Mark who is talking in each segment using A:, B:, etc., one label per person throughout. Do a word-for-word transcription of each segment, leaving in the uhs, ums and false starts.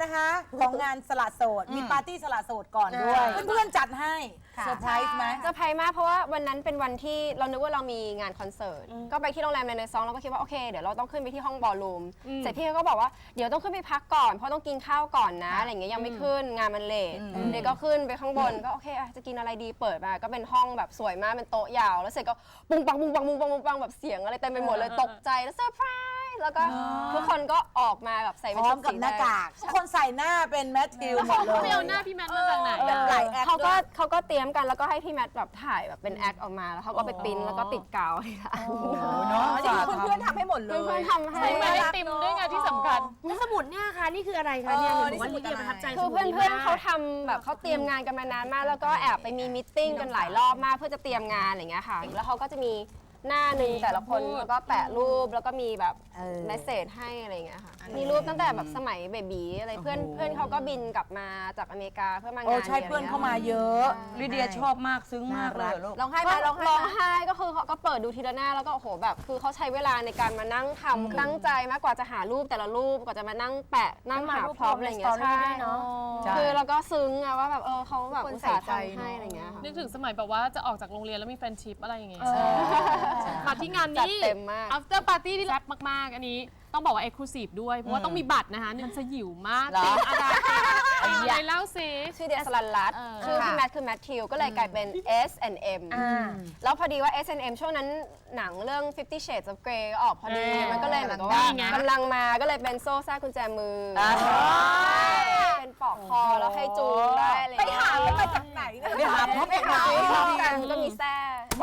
A: นะคะของงานสละโสดมีปาร์ตี้สละโสดก่อนด้วยเพื่อนๆจัดให้เซอร์ไพรส์ไหม
B: เซอร์ไพรส์มากเพราะว่าวันนั้นเป็นวันที่เรานึกว่าเรามีงานคอนเสิร์ตก็ไปที่โรงแรมในซองเราก็คิดว่าโอเคเดี๋ยวเราต้องขึ้นไปที่ห้องบอลลูมเสร็จพี่เขาก็บอกว่าเดี๋ยวต้องขึ้นไปพักก่อนเพราะต้องกินข้าวก่อนนะอะไรอย่างเงี้ยยังไม่ขึ้นงานมันเลทเดี๋ยวก็ขึ้นไปข้างบนก็โอเคจะกินอะไรดีเปิดมาก็เป็นห้องแบบสวยมากเป็นโต๊ะยาวแล้วเสร็จก็ปุ้งปังปุ้งปังปุ้งปังปุ้งปังแบบเสียงอะไรเต็มไปหมดเลยตกใจแล้วเซอร์ไพรส์แล้วก็ทุกคนก็ออกมาแบบใส่เป็นชุดสีแดง
A: ทุกคนใส่หน้าเป็นแมทธิวหมดเลย
C: เขาไปเอาหน้าพี่แมทมาจากไหน
B: เขาก็เขาก็เตรียมกันแล้วก็ให้พี่แมทแบบถ่ายแบบเป็นแอคออกมาแล้วเขาก็ไปปริ้นแล้วก็ติดกาวให้ค่ะ
A: เนาะเพื่อนๆทำให้หมดเลย
B: เพื่อนๆทำให้
C: ไม่ได้ติมด้วยไงที่สำคัญ
D: แล้วสมุดเนี่ยค่ะนี่คืออะไรคะเนี่ยหนูว่าลิเดียประทับใจ
B: คือเพื่อนๆเขาทำแบบเขาเตรียมงานกันมานานมากแล้วก็แอบไปมีมิทติ้งกันหลายรอบมากเพื่อจะเตรียมงานอะไรเงี้ยค่ะแล้วเขาก็จะมีหน้าหนึ่งแต่ละคนแล้วก็แปะรูปแล้วก็มีแบบเมสเซจให้อะไรเงี้ยค่ะมีรูปตั้งแต่แบบสมัยเบบีอะไรเพื่อนเพื่อนเขาก็บินกลับมาจากอเมริกาเพื่อมางาน
A: โอ้ใช่เพื่อนเข้ามาเยอะ
E: ลิเดียชอบมากซึ้งมากเลยลูก
B: ร้องไห้ไหมร้องไห้ร้องไห้ก็คือเขาก็เปิดดูทีละหน้าแล้วก็โอ้โหแบบคือเขาใช้เวลาในการมานั่งทำตั้งใจมากกว่าจะหารูปแต่ละรูปกว่าจะมานั่งแปะนั่งหาพร็อพอะไรเงี้ยใช่คือเราก็ซึ้งอะว่าแบบเออเขาแบบอุตส่าห์ทำให้อะไรเงี้ย
C: นึกถึงสมัยแบบว่าจะออกจากโรงเรียนแล้วมีแฟนชิพอะไรอย่างเงี้ยมาที่งานนี้ after party ที่แซ่บมากๆอันนี้ต้องบอกว่า exclusive ด้วยเพราะว่าต้องมีบัตรนะคะมันสยิวมากจริงอาดาอะไรเล่าซิ
B: ชื่อเดียสลันรัตชื่อพี่แมทคือแมทธิวก็เลยกลายเป็น เอส แอนด์ เอ็ม แล้วพอดีว่า เอส แอนด์ เอ็ม ช่วงนั้นหนังเรื่อง Fifty Shades of Grey ออกพอดีมันก็เลยเหมือนกับว่ากำลังมาก็เลยเป็นโซ่แซ่กุญแจมือเป็นปอกคอแล้วให้จูงได้เลย
A: ไปหามาจากไหนเนี่ยไปหาพบไปหา
B: พบกันก็มีแซ่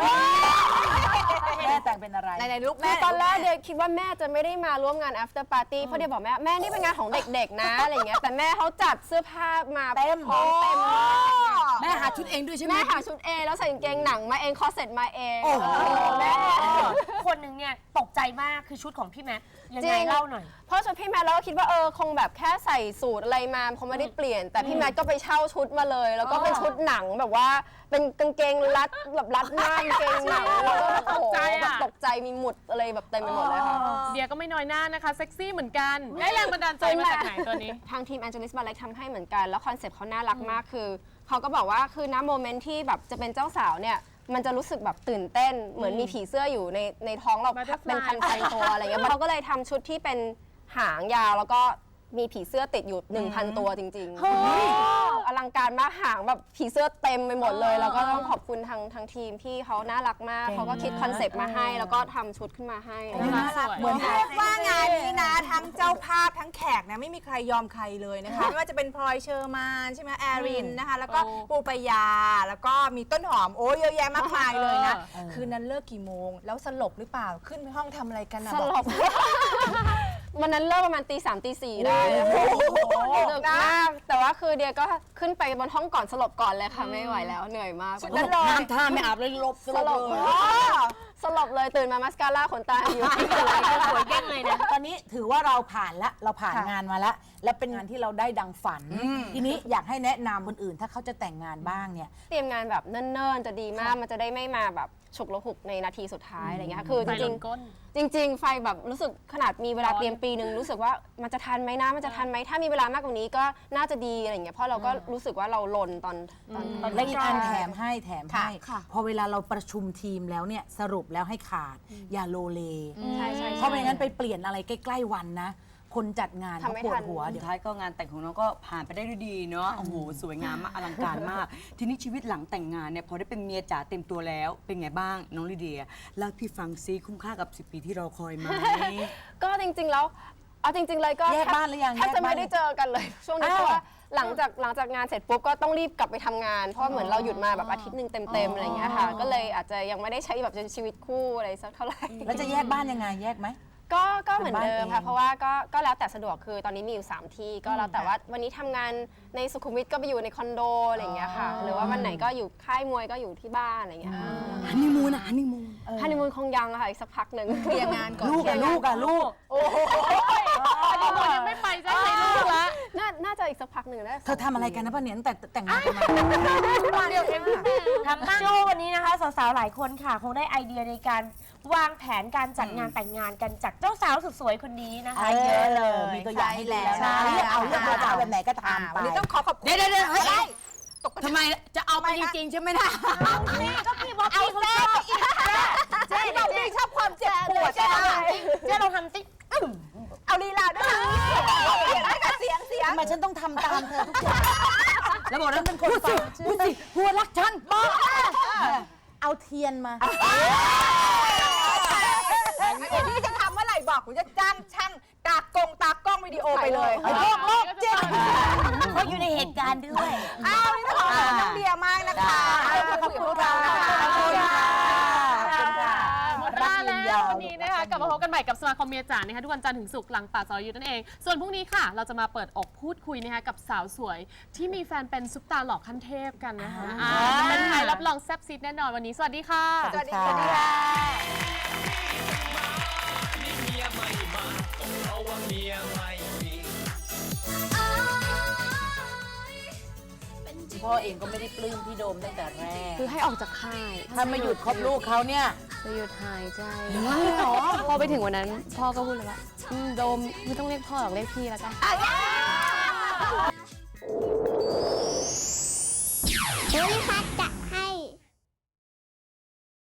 A: แม่แต่งเป็นอะไร
B: ในลูกแม่ตอนแรกเดียคิดว่าแม่จะไม่ได้มาร่วมงาน after party เพราะเดียบอกแม่แม่นี่เป็นงานของเด็กๆนะอะไรเงี้ยแต่แม่เขาจัดเสื้อผ้ามา
A: เต็ม
B: เต็ม
A: แม่หาชุดเองด้วยใช่ไหม
B: แม่หาชุดเองแล้วใส่กางเกงหนังมาเองคอเซ็ตมาเอง
D: แม่คนหนึ่งเนี่ยตกใจมากคือชุดของพี่แมทยังไงเล่าหน่อย
B: เพราะชุดพี่แมทเราก็คิดว่าเออคงแบบแค่ใส่สูทอะไรมาคงไม่ได้เปลี่ยนแต่พี่แมทก็ไปเช่าชุดมาเลยแล้วก็เป็นชุดหนังแบบว่าเป็นกางเกงรัดแบบรัดหน้ากางเกงหนังแล้วก็ตกใจแบบตกใจมีหมุดอะไรแบบเต็มไปหมดเลยค่ะ
C: เดียก็ไม่น้อยหน้านะคะเซ็กซี่เหมือนกันได้แรงบันดาลใจมาจากไหนตัวนี้
B: ทางทีม Angelis Ballet ทำให้เหมือนกันแล้วคอนเซ็ปต์เขาน่ารักมากคือเขาก็บอกว่าคือณโมเมนต์ที่แบบจะเป็นเจ้าสาวเนี่ยมันจะรู้สึกแบบตื่นเต้นเหมือนมีผีเสื้ออยู่ในในท้องเราเป็นพันๆตัวอะไรเงี้ยเขาก็เลยทำชุดที่เป็นหางยาวแล้วก็มีผีเสื้อติดอยู่ หนึ่งพัน ตัวจริงๆอลังการมากหางแบบผีเสื้อเต็มไปหมดเลยแล้วก็ต้องขอบคุณทางทางทีมที่เขาน่ารักมากเขาก็คิดคอนเซปต์มาให้แล้วก็ทำชุดขึ้นมาให้
A: เหมือนเรียกว่างานนี้นะทั้งเจ้าภาพทั้งแขกนะไม่มีใครยอมใครเลยนะคะไม่ว่าจะเป็นพลอยเชอร์มานใช่ไหมแอรินนะคะแล้วก็ปูปยาแล้วก็มีต้นหอมโอ้เยอะแยะมากมายเลยนะคืนนั้นเลิกกี่โมงแล้วสลบหรือเปล่าขึ้นไปห้องทำอะไรกันนะ
B: สลบวันนั้นเลิกประมาณตีสามตีสี่ได้ดึกมากแต่ว่าคือเดียก็ขึ้นไปบนห้องก่อนสลบก่อนเลยค่ะไม่ไหวแล้วเหนื่อยมาก
A: นั่นเลยน้ำท่าไม่อาบเลยลบ
B: สลบเลยสลบเลยตื่นมามัสคาร่าขนตาอยู่ที่อะไรก็สวยแก้งเลยนะ
A: ตอนนี้ถือว่าเราผ่านละเราผ่านงานมาแล้วและเป็นงานที่เราได้ดังฝันทีนี้อยากให้แนะนำคนอื่นถ้าเขาจะแต่งงานบ้างเนี่ย
B: เตรียมงานแบบเนิ่นๆจะดีมากมันจะได้ไม่มาแบบฉุกละหุกในนาทีสุดท้ายอะไรเงี้ยคือจริงๆจริงๆไฟแบบรู้สึกขนาดมีเวลาเตรียมปีนึงรู้สึกว่ามันจะทันไหมนะมันจะทันไหมถ้ามีเวลามากกว่านี้ก็น่าจะดีอะไรเงี้ยเพราะเราก็รู้สึกว่าเราลนตอนตอน
A: และอีกอันแถมให้แถมให้พอเวลาเราประชุมทีมแล้วเนี่ยสรุปแล้วให้ขาดอย่าโลเลเพราะไม่งั้นไปเปลี่ยนอะไรใกล้ๆวันนะคนจัดงานเขาปวดหัว
E: เดี๋ยวท้ายก็งานแต่งของน้องก็ผ่านไปได้ด้วยดีเนาะโอ้โหสวยงามมากอลังการมากทีนี้ชีวิตหลังแต่งงานเนี่ยพอได้เป็นเมียจ๋าเต็มตัวแล้วเป็นไงบ้างน้องลิเดียเล่าพี่ฟังซิคุ้มค่ากับสิบปีที่รอคอยไหม
B: ก็จริงๆแล้วเอาจริงๆเลยก็
A: แยกบ้านหรือยัง
B: แทบจะไม่ได้เจอกันเลยช่วงนี้เพราะว่าหลังจากหลังจากงานเสร็จปุ๊บก็ต้องรีบกลับไปทำงานเพราะเหมือนเราหยุดมาแบบอาทิตย์หนึ่งเต็มๆอะไรอย่างเงี้ยค่ะก็เลยอาจจะยังไม่ได้ใช้แบบชีวิตคู่อะไรสักเท่าไหร่
A: แล้วจะแยกบ้านยังไงแยกไหม
B: ก็ก็เหมือนเดิมค่ะเพราะว่าก็ก็แล้วแต่สะดวกคือตอนนี้มีอยู่สามที่ก็แล้วแต่ว่าวันนี้ทำงานในสุขุมวิทก็ไปอยู่ในคอนโดอะไรอย่างเงี้ยค่ะหรือว่าวันไหนก็อยู่ค่ายมวยก็อยู่ที่บ้านอะไรอย่างเงี้ย
E: ฮันนีมูนอะฮันนีมูน
B: ฮันนีมูนคงยังค่ะอีกสักพักหนึ่ง
A: เคลียร์งานก่อนลูกอะลูกอะลูก
C: ฮันนีมูนยังไม่ไปใช่ไหมลูกละ
B: น่าน่าจะอีกสักพักหนึ่งได้
F: เธอทำอะไรกันนะป้าเนี่ยตั้งแต่แต่งงานกันมา
D: มาเดียวเองทำบ้างเชื่อว่าวันนี้นะคะสาวๆหลายคนค่ะ คงได้ไอเดียในการวางแผนการจัดงานแต่งงานกันจากเจ้าสาวสุดสวยคนนี้นะคะเยอะเลย
F: มีตัวอย่างให้แล้ว
A: ใช่
F: นะเลือกเอาเลือกเอาจะเอาแบบไหนก็ทำไป
A: วันนี้ต้องขอขอบคุณ
F: เดี๋ยวเดี๋ยวเดี๋ยวเฮ้ย
A: ได้
F: ทำไมจะเอาไปจริงๆใช่ไหมล่ะ
D: ก็พี่บอกพี่เขาชอบ
A: เจ๊เราไม่ชอบความเจ็บปวด
D: เจ๊ลองทำสิเจ๊ลองทำสิ
A: เอาลีลาด้วยได้กับเสียงเสียง
F: ทำไมฉันต้องทำตามเธอทุกอย่างแล้วบอกนั้นเป็นคนฟังพูดสิหัวรักฉันบอกเอาเทียนมา
A: ไอ้นี่จะทำเมื่อไหร่บอกผมจะจ้างช่างตากงตากล้องวิดีโอไปเลย
F: ไอ้พวกโลกจิต
D: เขาอยู่ในเหตุการณ์ด้วย
A: อ้าวนี่ต้องขอบคุณน้องเดียมากนะคะขอบคุณพวกเรานะคะขอบคุณค่ะ
C: หมดเวลาแล้ววันนี้นะคะกลับมาพบกันใหม่กับสมาคมเมียจ๋านะคะทุกวันจันทร์ถึงศุกร์หลังป่าซอยยุทธนั่นเอง ส่วนพรุ่งนี้ค่ะ เราจะมาเปิดอกพูดคุยนะคะกับสาวสวย ที่มีแฟนเป็นซุปตาหล่อขั้นเทพกันนะคะอ่าจะเป็นใครรับรองแซ่บซิดแน่นอนวันนี้สวัสดีค่ะ
A: สวัสดีค่ะ
F: พ่อเองก็ไม่ได้ปลื้มพี่โดมตั้งแต่แรก
B: คือให้ออกจากค่าย
F: ถ้าไม่หยุดคบลูกเขาเนี่ย
B: จะหยุดหายใจพอไปถึงวันนั้น พ่อก็พูดเลยว่าอืมโดมไม่ต้องเรียกพ่อหรอกเรียกพี่แล้วกัน
G: ภูริพัฒน์จะ